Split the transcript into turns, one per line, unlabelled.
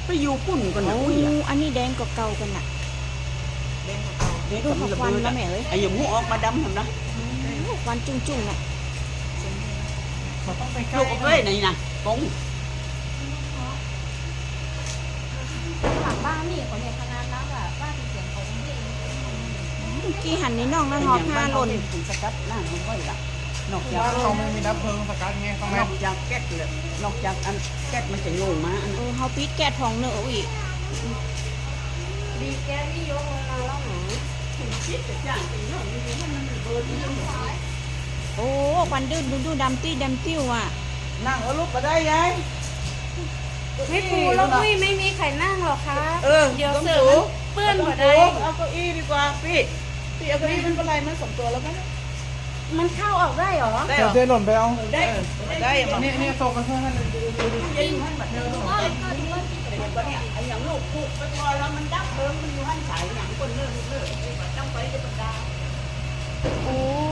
ไปอยู่ปุ่นกันนะ
โอ้
อุ้ยอะ
อันนี้แดงกว่าเก่ากันน่ะ
เด็ก
ดู
กับ
เขา
ระ
ควัน
เบิด
แล้ว
อะ
แม่เอ้ย
ไอ้อย่างหูออกมาดำทำนะ
ควันจุ้งๆน่ะ
มันต้องไปใกล้
ลูกเอ้ยนี่นะกง
หลังบ้านนี่คนเนี่ยขนาดนั้นแบบว่าเสียงของที่
เมื่อกี้หันในน่องแล้ว
เป็น
หอ
อย่าง
ผ้า
บ้าน
หล่น
ถูกสกัดหน้ามันก็ละนอกจาก
บ้านเขาไม่มีดับเพลิงสกัดไงต้อง
น
แม่
อกจากแก๊สเลยนอกจากอันแก๊สมันจะโยงมาอัน
เอ
นั้น
อเฮาปิดแก๊สทองเนอะอีก
ดีแกนี่ยกลงมาแล้วหนู
คิดแต่ย่างตีเนาะมันเบิร์ดนี่
โอ้ควันดื้อดูดำติ้วอ่ะ
นั่งเอาลูกก็ได้ยาย
ไม่ปูแล้วอุ้ยไม่มีใครนั่งหรอกคะ เดี๋ยว
ต้อง
เสือ
สู
มันเปื้อนหมดเลย
เอาเก้าอี้ดีกว่าพี่เอาเก้าอี้มันเป็นไรมันสองตัวแล้วมั้ย
มันเข้าออกได้เหรอ
ได้เหรอ
เจ๊หล่นไปเอา
ได้ได้มา
เนี่ยโตกันเพื่อน
ยิงให้มันเดินไอ้อย่างลูกผูกไปพอแล้วมันดับเบิ้งมันอยู่ให้